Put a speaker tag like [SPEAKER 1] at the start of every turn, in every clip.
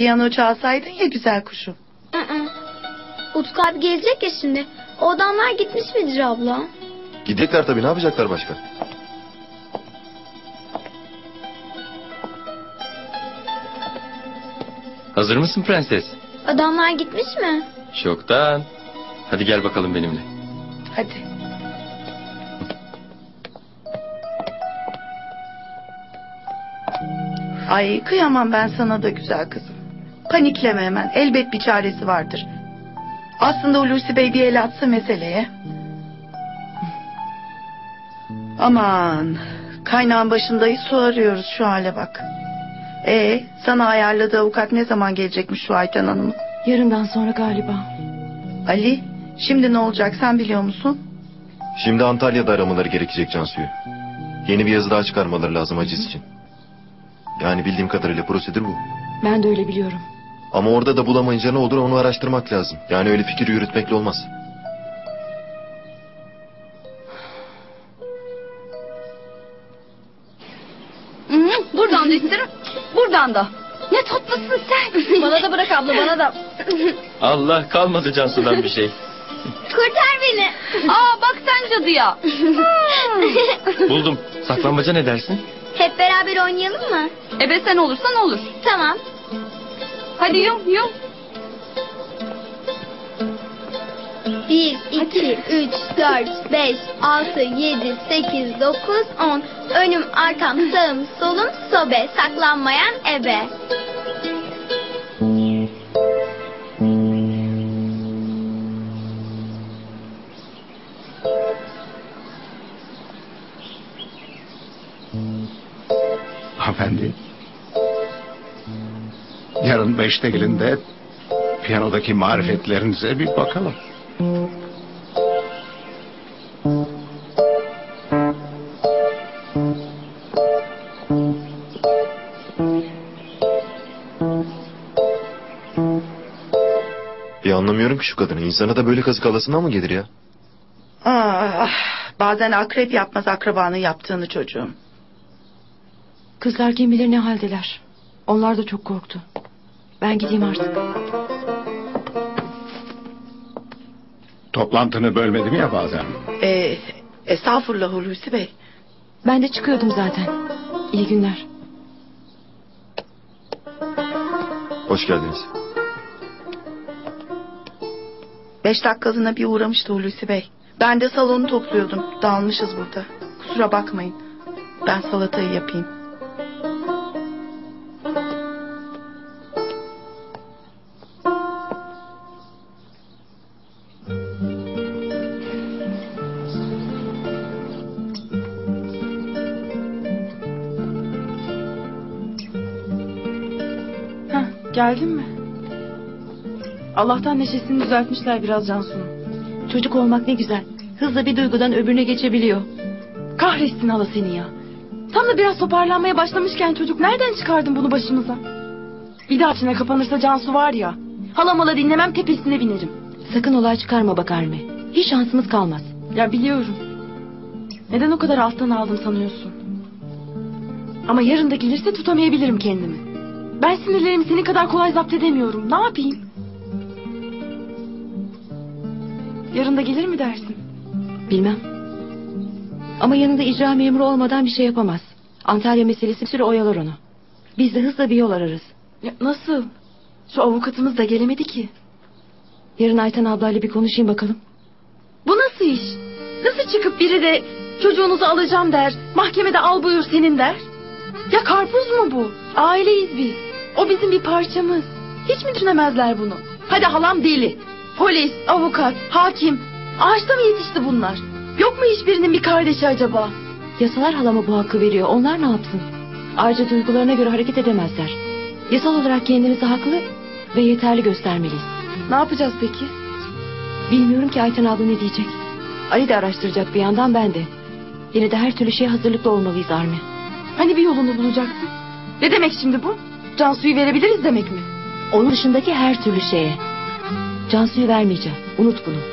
[SPEAKER 1] piyano çalsaydın ya güzel kuşum.
[SPEAKER 2] Utku abi gelecek ya şimdi. O adamlar gitmiş midir abla?
[SPEAKER 3] Gidecekler tabii, ne yapacaklar başka?
[SPEAKER 4] Hazır mısın prenses?
[SPEAKER 2] Adamlar gitmiş mi?
[SPEAKER 4] Çoktan. Hadi gel bakalım benimle.
[SPEAKER 1] Hadi. Ay kıyamam ben sana da güzel kızım. Panikleme hemen. Elbet bir çaresi vardır. Aslında Hulusi Bey bir el atsa meseleye. Aman. Kaynağın başındayız, su arıyoruz, şu hale bak. Sana ayarladığı avukat ne zaman gelecekmiş şu Ayten Hanım?
[SPEAKER 5] Yarından sonra galiba.
[SPEAKER 1] Ali, şimdi ne olacak sen biliyor musun?
[SPEAKER 3] Şimdi Antalya'da aramaları gerekecek Cansu'yu. Yeni bir yazı daha çıkarmaları lazım haciz için. Yani bildiğim kadarıyla prosedür bu.
[SPEAKER 5] Ben de öyle biliyorum.
[SPEAKER 3] Ama orada da bulamayınca ne olur onu araştırmak lazım. Yani öyle fikir yürütmekle olmaz.
[SPEAKER 5] Buradan da isterim. Buradan da. Ne tatlısın sen. Bana da bırak abla, bana da.
[SPEAKER 4] Allah, kalmadı Cansu'dan bir şey.
[SPEAKER 2] Kurtar beni.
[SPEAKER 5] Bak sen cadıya.
[SPEAKER 4] Buldum. Saklambaca ne dersin?
[SPEAKER 2] Hep beraber oynayalım mı?
[SPEAKER 5] Ebe sen olursan olur.
[SPEAKER 2] Tamam.
[SPEAKER 5] Hadi yum.
[SPEAKER 2] 1, 2, 3, 4, 5, 6, 7, 8, 9, 10. Önüm, arkam, sağım, solum, sobe. Saklanmayan ebe.
[SPEAKER 6] Hanımefendi. Yarın 5'te gelin de piyanodaki marifetlerinize bir bakalım.
[SPEAKER 3] Bir anlamıyorum ki şu kadını. İnsana da böyle kazık alasından mı gelir ya?
[SPEAKER 1] Bazen akrep yapmaz akrabanın yaptığını çocuğum.
[SPEAKER 5] Kızlar kim bilir ne haldeler. Onlar da çok korktu. Ben gideyim artık.
[SPEAKER 6] Toplantını bölmedim ya bazen.
[SPEAKER 1] Estağfurullah Hulusi Bey.
[SPEAKER 5] Ben de çıkıyordum zaten. İyi günler.
[SPEAKER 3] Hoş geldiniz.
[SPEAKER 1] 5 dakikalığına bir uğramıştı Hulusi Bey. Ben de salonu topluyordum. Dağılmışız burada. Kusura bakmayın. Ben salatayı yapayım.
[SPEAKER 5] Geldin mi? Allah'tan neşesini düzeltmişler biraz Cansu'nun. Çocuk olmak ne güzel. Hızla bir duygudan öbürüne geçebiliyor. Kahretsin hala seni ya. Tam da biraz toparlanmaya başlamışken çocuk nereden çıkardın bunu başımıza? Bir daha içine kapanırsa Cansu var ya. Hala dinlemem, tepesine binerim. Sakın olay çıkarma bak Arme. Hiç şansımız kalmaz. Ya biliyorum. Neden o kadar alttan aldım sanıyorsun? Ama yarın da gelirse tutamayabilirim kendimi. Ben sinirlerimi senin kadar kolay zapt edemiyorum. Ne yapayım? Yarın da gelir mi dersin? Bilmem. Ama yanında icra memuru olmadan bir şey yapamaz. Antalya meselesi bir süre oyalar onu. Biz de hızla bir yol ararız. Ya nasıl? Şu avukatımız da gelemedi ki. Yarın Ayten ablayla bir konuşayım bakalım. Bu nasıl iş? Nasıl çıkıp biri de çocuğunuzu alacağım der, mahkemede al buyur senin der? Ya karpuz mu bu? Aileyiz biz. O bizim bir parçamız. Hiç mi düşünemezler bunu? Hadi halam deli. Polis, avukat, hakim. Ağaçta mı yetişti bunlar? Yok mu hiçbirinin bir kardeşi acaba? Yasalar halama bu hakkı veriyor. Onlar ne yapsın? Ayrıca duygularına göre hareket edemezler. Yasal olarak kendimizi haklı ve yeterli göstermeliyiz. Ne yapacağız peki? Bilmiyorum ki Ayten abla ne diyecek. Ali de araştıracak bir yandan, ben de. Yine de her türlü şeye hazırlıklı olmalıyız Armi. Hani bir yolunu bulacaksın? Ne demek şimdi bu? Cansu'yu verebiliriz demek mi? Onun dışındaki her türlü şeye. Cansu'yu vermeyeceğim. Unut bunu.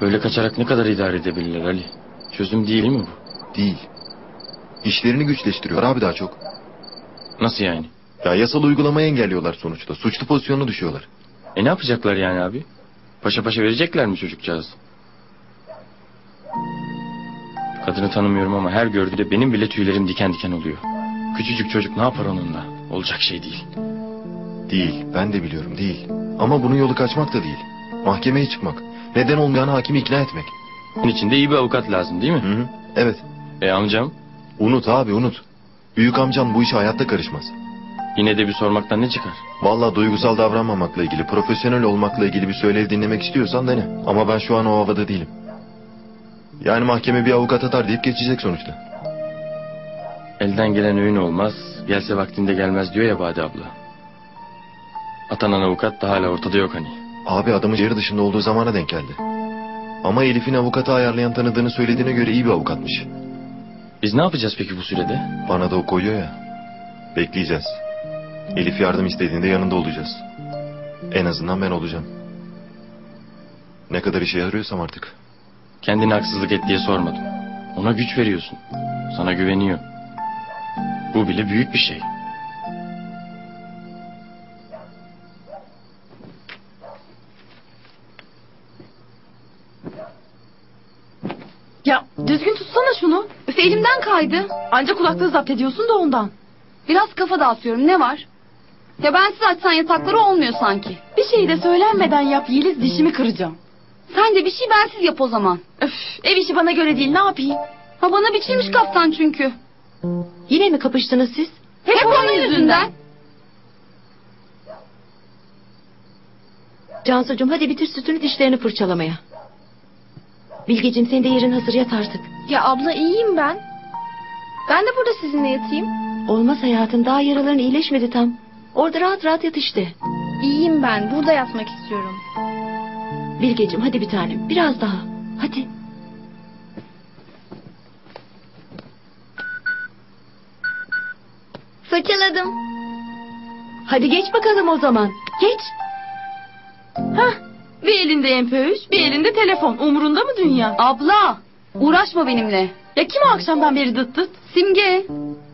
[SPEAKER 4] Böyle kaçarak ne kadar idare edebilirler Ali? Çözüm değil mi bu?
[SPEAKER 3] Değil. İşlerini güçleştiriyor abi daha çok.
[SPEAKER 4] Nasıl yani?
[SPEAKER 3] Ya yasal uygulamayı engelliyorlar sonuçta. Suçlu pozisyonuna düşüyorlar.
[SPEAKER 4] Ne yapacaklar yani abi? Paşa paşa verecekler mi çocukcağız? Kadını tanımıyorum ama her gördüğümde benim bile tüylerim diken diken oluyor. Küçücük çocuk ne yapar onunla? Olacak şey değil.
[SPEAKER 3] Değil. Ben de biliyorum değil. Ama bunun yolu kaçmak da değil. Mahkemeye çıkmak. Neden olmayan hakimi ikna etmek.
[SPEAKER 4] Bunun için de iyi bir avukat lazım değil mi?
[SPEAKER 3] Hı hı. Evet.
[SPEAKER 4] Amcam
[SPEAKER 3] Unut abi unut. Büyük amcan bu işe hayatta karışmaz.
[SPEAKER 4] yine de bir sormaktan ne çıkar?
[SPEAKER 3] Vallahi duygusal davranmamakla ilgili, profesyonel olmakla ilgili bir söylev dinlemek istiyorsan dene. Ama ben şu an o havada değilim. Yani mahkeme bir avukat atar deyip geçecek sonuçta.
[SPEAKER 4] Elden gelen öğün olmaz, gelse vaktinde gelmez diyor ya Bade abla. Atanan avukat da hala ortada yok hani.
[SPEAKER 3] Abi adamın şehir dışında olduğu zamana denk geldi. Ama Elif'in avukatı ayarlayan tanıdığını söylediğine göre iyi bir avukatmış.
[SPEAKER 4] Biz ne yapacağız peki bu sürede?
[SPEAKER 3] Bana da o koyuyor ya. Bekleyeceğiz. Elif yardım istediğinde yanında olacağız. En azından ben olacağım. Ne kadar işe yarıyorsam artık.
[SPEAKER 4] Kendine haksızlık et diye sormadım. Ona güç veriyorsun. Sana güveniyor. Bu bile büyük bir şey.
[SPEAKER 5] Ya düzgün tutsana şunu.
[SPEAKER 7] Üf, elimden kaydı.
[SPEAKER 5] Ancak kulaklığı zapt ediyorsun da ondan.
[SPEAKER 7] Biraz kafa dağıtıyorum. Ne var? Ya bensiz açsan yatakları olmuyor sanki.
[SPEAKER 5] Bir şey de söylenmeden yap Yeliz, dişimi kıracağım.
[SPEAKER 7] Sen de bir şey bensiz yap o zaman.
[SPEAKER 5] Öf, ev işi bana göre değil, ne yapayım?
[SPEAKER 7] Ha bana biçilmiş kaftan çünkü.
[SPEAKER 5] Yine mi kapıştınız siz?
[SPEAKER 7] Hep onun yüzünden.
[SPEAKER 5] Cansucuğum hadi bitir sütünü, dişlerini fırçalamaya. Bilgeciğim senin de yerin hazır, yat artık.
[SPEAKER 2] Ya abla iyiyim ben. Ben de burada sizinle yatayım.
[SPEAKER 5] Olmaz hayatım, daha yaraların iyileşmedi tam. Orada rahat rahat yat işte.
[SPEAKER 2] İyiyim ben. Burada yatmak istiyorum.
[SPEAKER 5] Bilgeciğim hadi bir tanem, biraz daha. Hadi.
[SPEAKER 2] Fırçaladım.
[SPEAKER 5] Hadi geç bakalım o zaman. Geç. Hah. Bir elinde MP3, bir elinde telefon. Umurunda mı dünya?
[SPEAKER 7] Abla uğraşma benimle.
[SPEAKER 5] Ya kim o akşamdan beri dıt dıt?
[SPEAKER 7] Simge.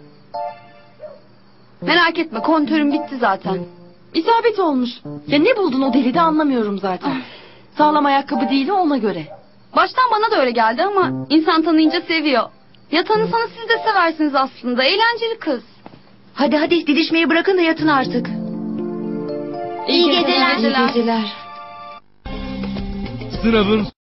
[SPEAKER 7] Merak etme kontörüm bitti zaten.
[SPEAKER 5] İsabet olmuş. Ya ne buldun o delide anlamıyorum zaten. Sağlam ayakkabı değil ona göre.
[SPEAKER 7] Baştan bana da öyle geldi ama insan tanıyınca seviyor. Ya tanısanız siz de seversiniz aslında. Eğlenceli kız.
[SPEAKER 5] Hadi hadi didişmeyi bırakın da yatın artık.
[SPEAKER 2] İyi geceler.
[SPEAKER 5] İyi geceler.
[SPEAKER 8] Sınavın